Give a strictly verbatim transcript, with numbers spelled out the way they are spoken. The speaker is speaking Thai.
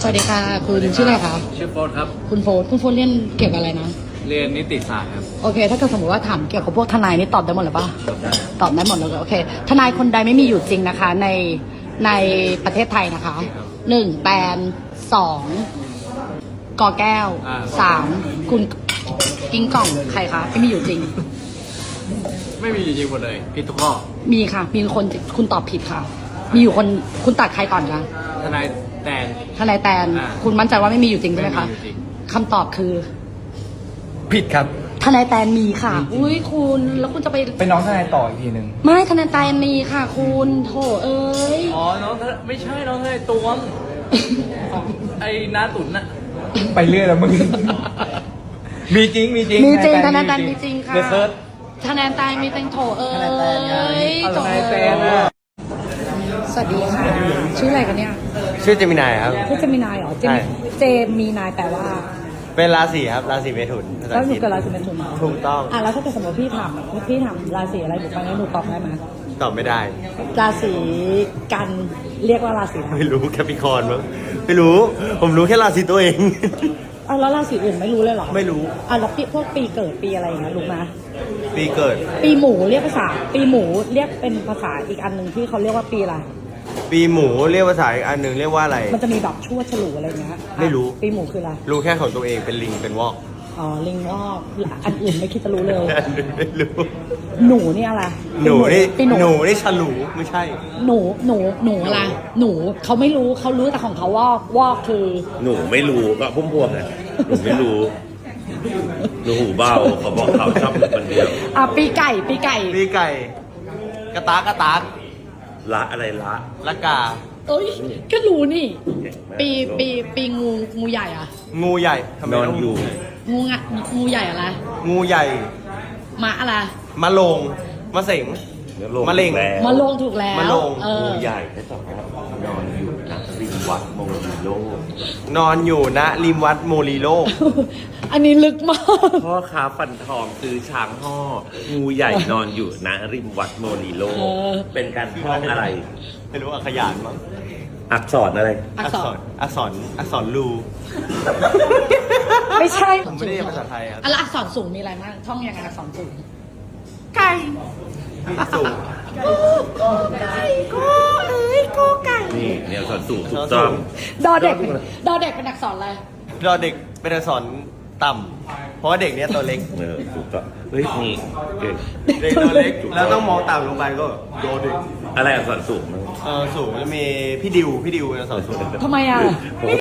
สวัสดีค่ะคุณชื่ออะไรคะชื่อโฟร์ครับคุณโฟร์คุณโฟร์เรียนเกี่ยวกับอะไรนะเรียนนิติศาสตร์ครับโอเคถ้าเกิดสมมติว่าถามเกี่ยวกับพวกทนายนี่ตอบได้หมดหรือปะจบได้ตอบได้หมดเลยโอเคทนายคนใดไม่มีอยู่จริงนะคะในในประเทศไทยนะคะหนึ่งแตนสองกอแก้วสามคุณกิ้งก่องใครคะไม่มีอยู่จริงไม่มีจริงหมดเลยผิดทุกข้อมีค่ะมีคนคุณตอบผิดค่ะ มีอยู่คนคุณตัดใครก่อนคะทนายแตนทนายแตนอ่าคุณมั่นใจว่าไม่มีอยู่จริงใช่ไหมคะไม่มีอยู่จริงคำตอบคือผิดครับทนายแตนมีค่ะ อุ้ยคุณแล้วคุณจะไปเป็นน้องทนายต่ออีกทีหนึ่งไม่ทนายแตนมีค่ะคุณโถเอ้ยอ๋อน้องทนไม่ใช่น้องทนายตวงไอ้น้าตุ๋นน่ะไปเรื่อยแล้วมึง มีจริง มีจริงมีจริงทนายแตนมีจริงค่ะเดอะเซิร์ชทนายแตนมีจริงโถเอ้ทนายแตนไงยเอาโถทนายแตนเอ้อะยสวัสดีค่ะชื่ออะไรกันเนี่ยชื่อเจมินายครับชื่อเจมินายเหรอเจใช่มเจมีนายแปลว่าเป็นราศีครับ ราศีเมถุนภาษาแล้วอังหนูกฤษเกิดราศีเมถุนเหรอถูกต้องอ่ะแล้วถ้าเกิดสมมติพี่ถามพี่ถามราศีอะไรหนูฟังแล้วหนูตอบได้ไหมตอบไม่ได้ราศีกันเรียกว่าราศีอะไรไม่รู้แคปิคอร์นมั้งไม่รู้ ผมรู้แค่ราศีตัวเองอ่ะแล้วราศีอื่นไม่รู้เลยเหรอไม่รู้อ่ะแล้วปีพวกปีเกิดปีอะไรอย่างเงี้ยรู้ไหมปีเกิดปีหมูเรียกภาษา ปีหมูเรียกเป็นภาษาอีกอันหนึ่งที่เขาเรียกว่าปีอะไรปีหมูเรียกภาษาอีกอันหนึ่งเรียกว่าอะไรมันจะมีแบบชั่วฉลูอะไรเงี้ยไม่รู้ปีหมูคืออะไรรู้แค่ของตัวเองเป็นลิงเป็นวอกอ๋อลิงวอกอันอื่นไม่คิดจะรู้เลยอันอื่นไม่รู้หนูนี่อะไรหนูนี่ปีหหนูนูนี่ฉลูไม่ใช่หนูหนูหนูอะไรหนูเขาไม่รู้เขารู้แต่ของเขาวอกวอกคือหนูไม่รู้ก็พุ่มพวงไงหนูไม่รู้หนูหูเบาเขาบอกเขาชอบอยู่คนเดียวอ่ะปีไก่ปีไก่ปีไก่ กระตากกระตากละอะไรละละกาเอ้ยก็รู้นี่ ปีปีปีงูงูใหญ่อะงูใหญ่ทำไมนอนต้งอยู่งูงะงูใหญ่อะไรงูใหญ่หมาอะไรมะโลงมะเสง มะเร็งแล้วมาลงถูกแล้วมาลงเอองูใหญ่ได้สองครับนอนอยู่นะริมวัดโมริโลนอนอยู่ณริมวัดโมลีโลกอันนี้ลึกมากพ่อค้าฟันทองซื้อช้างห่องูใหญ่นอนอยู่นะริมวัดโมริโลเออเป็นการท่องอะไรไม่รู้อักขยานมั้งอักษรอะไรอักษรอักษร อักษรลูไม่ใช่ผมไม่ได้เรียนภาษาไทยครับอะแล้วอักษรสูงมีอะไรบ้างท่องยังไงอักษรสูง ไก่สูงโกไก่โกเอ้ยโกไก่นี่เนี่ยอักษรสูงถูกต้องดอเด็ก ดอเด็กเป็นอักษรอะไรรอเด็กเป็นอักษรต่ำเพราะว่าเด็กเนี้ยตัวเล็กเออถูกต้องเฮ้ยนี่เก่งเด็กตัวเล็ก แล้วต้องมองต่ำลงไปก็โดเด็กอะไรอักษรสูงมั้งเออสูงจะมีพี่ดิว พี่ดิวเป็นอักษรสูงทำไมอ่ะผม